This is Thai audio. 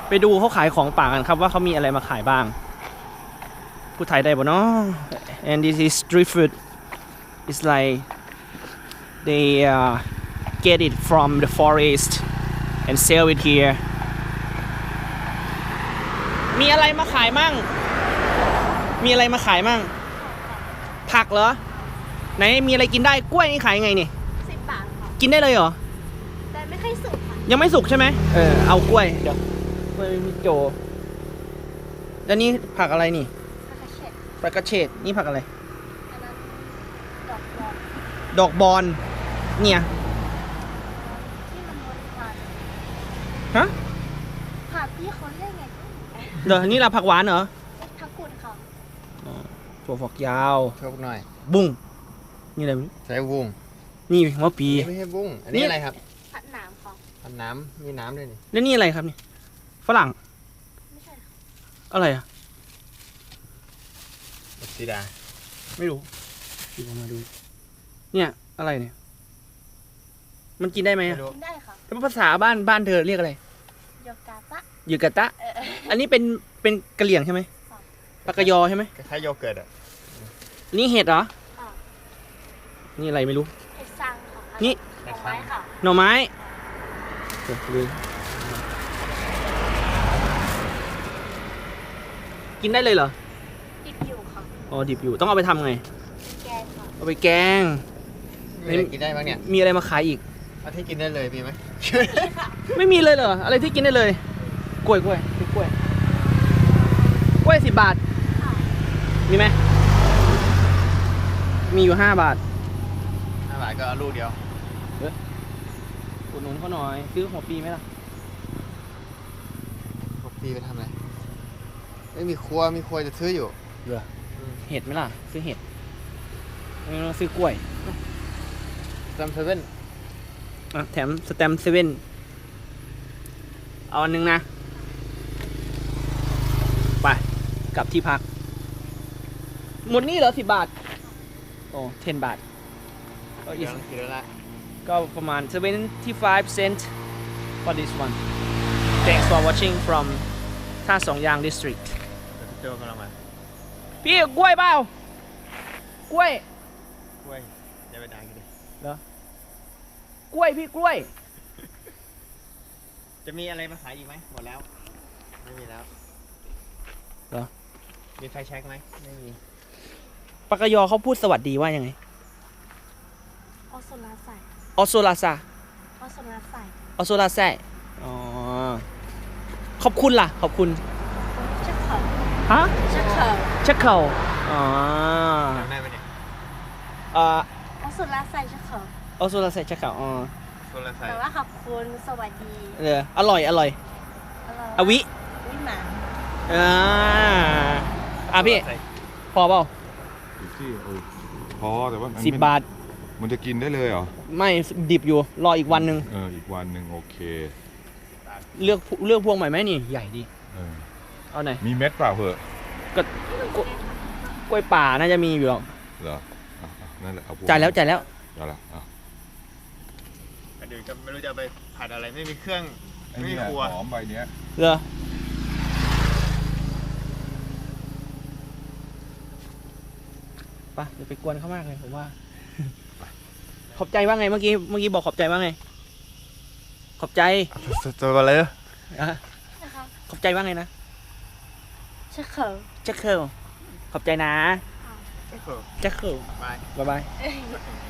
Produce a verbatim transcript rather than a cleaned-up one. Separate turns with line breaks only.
ไปดูเขาขายของป่ากันครับว่าเขามีอะไรมาขายบ้างพูดไทยได้บ่เนาะ and this is street food it's like they uh, get it from the forest and sell it here มีอะไรมาขายมั่งมีอะไรมาขายมั่งผักเหรอไหนมีอะไรกินได้กล้วยนี่ขายยังไงนี่
สิบบาทค่ะ
กินได้เลยเหรอ
แต่ไม่ค่อยสุกค่ะ
ยังไม่สุกใช่ไหมเออเอากล้วยเดี๋ยวกล้วยมีโจแล้วนี่ผักอะไรนี่ผักกระเฉดนี่ผักอะไร
อันนั้นดอกบอล
ดอกบอลเนี่ย
ที่มันบริวาร
ฮะ
ผักที่เขาเรียกไง
เดี๋ยวนี่เราผักหวานเหรอ
ผักกุดค่ะ
ถั่วฝักยาว
ชอบหน่อย
บุ้งนี่อะไร
ใส่บุ้ง
นี่หัวปี
ไม่ใช่บุ้งอันนี้อะไรครับ
ผัดน้ำค่ะ
ผัดน้ำมีน้ำด้วยนี่
แล้วนี่อะไรครับนี่ฝรั่ง
ไม่ใช่
อะไรอ่ะ
สีดา
ไม่รู้ดูมาดูเนี่ยอะไรเนี่ยมันกินได้ไหม
กินได้ค่ะ
แล้วภาษาบ้านบ้านเธอเรียกอะไร
โยกาตะ
ยูกาตะอันนี้เป็นเป็นกะเหรี่ยงใช่ไหมปากกยอใช่ไหม
คล้ายโยเกิร์ตอ่ะ
นี่เห็ดเหรอนี่อะไรไม่รู้
เห็ดซังค่ะ
นี่
หน่อไม้ค่ะ
หน่อไม้กินได้เลยเหรอ
ดิบอยู่ค่ะ
อ๋อดิบอยู่ต้องเอาไปทำไง
แกงค่ะ
เอาไปแกง
มีอะไรกินได้บ้างเนี่ย
มีอะไรมาขายอีก
เอาที่กินได้เลยมีไหม
ไม่มีเลยเหรออะไรที่กินได้เลยกล้วยกล้วยกล้วยกล้วยสิบบาทมีไหมมีอยู่ห้าบาท
ห้าบาทก็ลูกเดียว
เอออุดหนุนเขาหน่อยซื้อหัวปีไหมล่ะ
หัวปีไปทำอะไรไม่มีครัวมีครัวจะซื้ออยู่
เหรอเห็ดไหมล่ะซื้อเห็ดไม่ต้องซื้อกล้วย
สแตมเซเว่น
อ่ะแถมสแตมเซเว่นเอาอันนึงนะไปกลับที่พักหมดนี่เหรอสิบบาทโอ้เทนบาทก็อีกก็ประมาณseventy-five cent for this one thanks for watching from ท่าสองยาง district
เจอกันแล้วมา
พี่กล้วยเปล่ากล้วย
กล้วยอย่าไปด่ากันดิ
เหรอกล้วยพี่กล้วย
จะมีอะไรมาขายอีกไหมหมดแล้วไม่มีแล้ว
เหรอ
มีไฟแช็กไหมไม่มี
ปากกยอเขาพูดสวัสดีว่ายังไง
ออโซลาใส่
ออโซลาซา
ออโซลาใส่
ออโซลาแซ่อ๋อขอบคุณล่ะขอบคุณ
เช็คเขา
ฮะ
เช็คเขา
เช็คเขาอ๋อ
ได้ไหมเนี่ย
อ่า
ออโซลาใส่เช็คเขา
ออโซลาแซ่เช็คเขาอ๋อ
แต่ว่าขอบคุณสวัสดี
เอออร่อยอร่อยอวิ
วิหมา
อ่าอ่ะพี่พอเปล่า
ที่เออพอแต่ว่า
สิบบาท
มันจะกินได้เลยเหรอ
ไม่ดิบอยู่รออีกวันหนึ่ง
เอออีกวันหนึ่งโอเค
เลือกเลือกพวงใหม่ไหมนี่ใหญ่ดี
เออ
เอาไหน
มีเม็ดเปล่าเหอะ
ก็กล้วยป่าน่าจะมีอยู่หรอก
เหรอนั่นแหละเอา
จ่ายแล้วจ่ายแล้ว
จ่ายแล้วอ่ะ
เดี๋ยวก็ไม่รู้จะไปผัดอะไรไม่มีเครื่องไม่มีครัว
หอมใบเนี้ย
เหรอไปอย่าไปกวนเขามากเลยผมว่าขอบใจว่าไงเมื่อกี้เมื่อกี้บอกขอบใจว่าไงขอบใจ
เจอกันเลย
ขอบใจว่าไงนะ
เช็คเขา
เช็คเคิลขอบใจนะเช็คเคิลบายบาย